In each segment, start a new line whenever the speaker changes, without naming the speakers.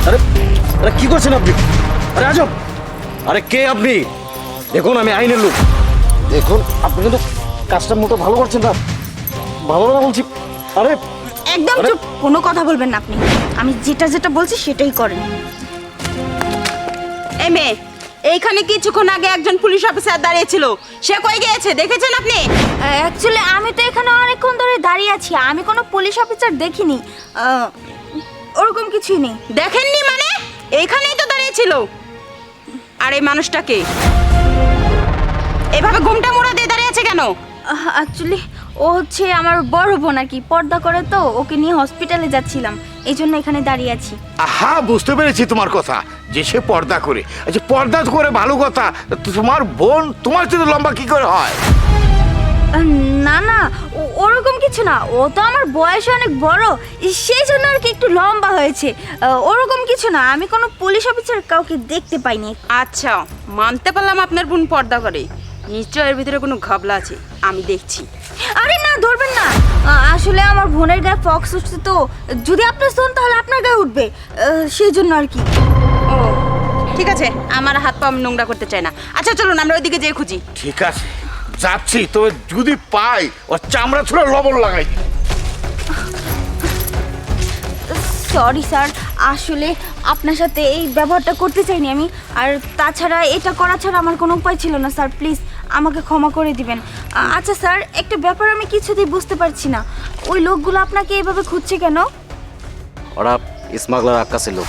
আরে আরে কি করছেন আপনি? আরে আজব! আরে কে আপনি? দেখুন আমি আইনের লোক। দেখুন আপনি কিন্তু কাজটা মোটো ভালো করছেন না। ভালো না বলছি। আরে
একদম
আরে-
চুপ, কোনো কথা বলবেন না আপনি। আমি যেটা যেটা বলছি সেটাই করেন। এই মেয়ে, এইখানে কিছুক্ষণ আগে একজন পুলিশ অফিসার দাঁড়িয়ে ছিল, সে কই গিয়েছে দেখেছেন আপনি?
অ্যাকচুয়ালি আমি তো এখানে অনেকক্ষণ ধরে দাঁড়িয়ে আছি, আমি কোনো পুলিশ অফিসার দেখিনি। ওরকম কিছুই নেই।
দেখেননি মানে? এইখানেই তো দাঁড়িয়ে ছিল। আর এই মানুষটাকে এভাবে ঘুমটা মোড়া দিয়ে দাঁড়িয়ে আছে কেন?
অ্যাকচুয়ালি ও হচ্ছে আমার বড় বোন আর কি, পর্দা করে তো, ওকে নিয়ে হসপিটালে যাচ্ছিলাম, এই জন্য এখানে দাঁড়িয়ে আছি।
আহা, বুঝতে পেরেছি তোমার কথা, যে সে পর্দা করে। আচ্ছা, পর্দা করে ভালো কথা, তোমার বোন তোমার চেয়ে লম্বা কি করে হয়?
না না, ওরকম কিছু না, ও তো আমার বয়সে অনেক বড়, সেই জন্য আর কি একটু লম্বা হয়েছে। ওরকম কিছু না, আমি কোনো পুলিশ অফিসার কাউকে দেখতে পাইনি।
আচ্ছা, মানতে পারলাম আপনার বোন পর্দা করে, নিশ্চয় এর ভিতরে কোনো ঘাবলা আছে, আমি দেখছি।
আরে না, ধরবেন না, আসলে আমার বোনের গায়ে ফক্স উঠছে তো, যদি আপনি শোন তাহলে আপনার গায়ে উঠবে, সেই জন্য আর কি।
ও ঠিক আছে, আমার হাত পা আমি নোংরা করতে চাই না। আচ্ছা চলুন আমরা ওইদিকে যেয়ে খুঁজি।
ঠিক আছে, যাচ্ছি, তবে যদি পাই ওর চামড়া ছুঁড়ে লবণ লাগাই।
সরি স্যার, আসলে আপনার সাথে এই ব্যবহারটা করতে চাইনি আমি, আর তাছাড়া এটা করা ছাড়া আমার কোনো উপায় ছিল না স্যার, প্লিজ আমাকে ক্ষমা করে দিবেন। আচ্ছা স্যার, একটা ব্যাপার আমি কিছুতেই বুঝতে পারছি না, ওই লোকগুলো আপনাকে এইভাবে খুঁজছে কেন?
ওরা স্মাগলার আক্কাসের লোক।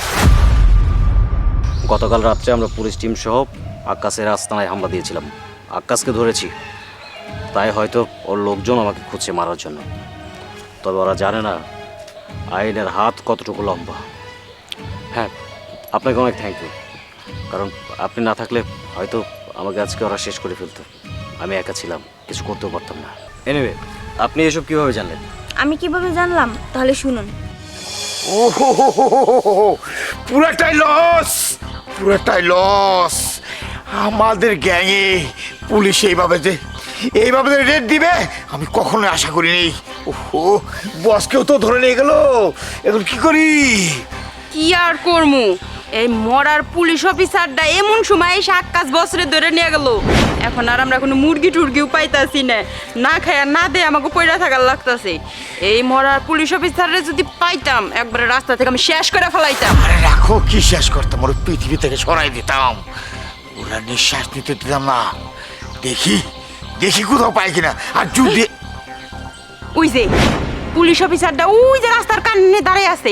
গতকাল রাত্রে আমরা পুলিশ টিম সহ আক্কাসের আস্তানায় হামলা দিয়েছিলাম। আক্কাসকে ধরেছি, তাই হয়তো ওর লোকজন আমাকে খুঁজছে মারার জন্য। তবে ওরা জানে না আইনের হাত কতটুকু লম্বা। হ্যাঁ, আপনাকে অনেক থ্যাংক ইউ, কারণ আপনি না থাকলে হয়তো আমাকে আজকে ওরা শেষ করে ফেলতো। আমি একা ছিলাম, কিছু করতেও পারতাম না। এনিওয়ে, আপনি এসব কিভাবে জানলেন?
আমি কিভাবে জানলাম তাহলে শুনুন।
ও হো হো হো হো হো হো, পুরাটাই লস, পুরাটাই লস। আমাদের গ্যাংয়ে পুলিশ এইভাবে যে রেড দিবে আমি কখনো আশা করিনি। ওহো, বসকেও তো ধরে নিয়ে গেল, এখন কি করি?
কি আর করমু, এই মরার পুলিশ অফিসারটা এমন সময় এসে আক্কাস বছরে ধরে নিয়ে গেল। এখন আর আমরা কোনো মুরগি টুরগিও পাইতাছি না, না খায় না দে আমাকে পয়রা থাকার লাগতাছে। এই মরার পুলিশ অফিসারে যদি পাইতাম একবারে রাস্তা থেকে আমি শেষ করে ফেলাইতাম।
আরে রাখো, কি শেষ করতাম, ওর পৃথিবী থেকে সরাই দিতাম, ওরা নিঃশ্বাস নিতে দিতাম না। দেখি দেখি কোথাও পাই কিনা। আর যদি
ওই যে পুলিশ অফিসারটা ওই যে রাস্তার কানে দাঁড়িয়ে আছে,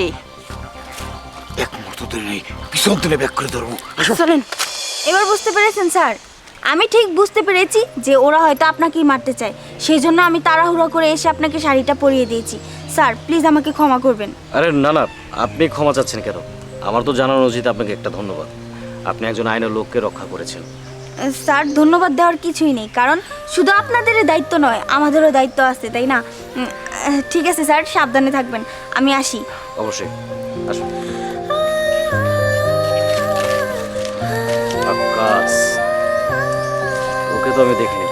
এক মুহূর্ত ধরে নেই, পিছন তুলে ব্যাক করে ধরবো। আসো।
চলেন।
এবার বুঝতে পেরেছেন স্যার? আমি ঠিক বুঝতে পেরেছি যে ওরা হয়তো আপনাকেই মারতে চায়, সেই জন্য আমি তাড়াহুড়ো করে এসে আপনাকে শাড়িটা পরিয়ে দিয়েছি। স্যার প্লিজ আমাকে ক্ষমা করবেন।
আরে না না, আপনি ক্ষমা চাচ্ছেন কেন? আমার তো জানানো উচিত আপনাকে একটা ধন্যবাদ। আপনি একজন আইনের লোককে রক্ষা করেছেন।
স্যার ধন্যবাদ দেওয়ার কিছুই নেই, কারণ শুধু আপনাদেরই দায়িত্ব নয়, আমাদেরও দায়িত্ব আছে, তাই না? ঠিক আছে স্যার, সাবধানে থাকবেন, আমি আসি।
অবশ্যই, আসুন। আক্কাস, ওকে তো আমি দেখি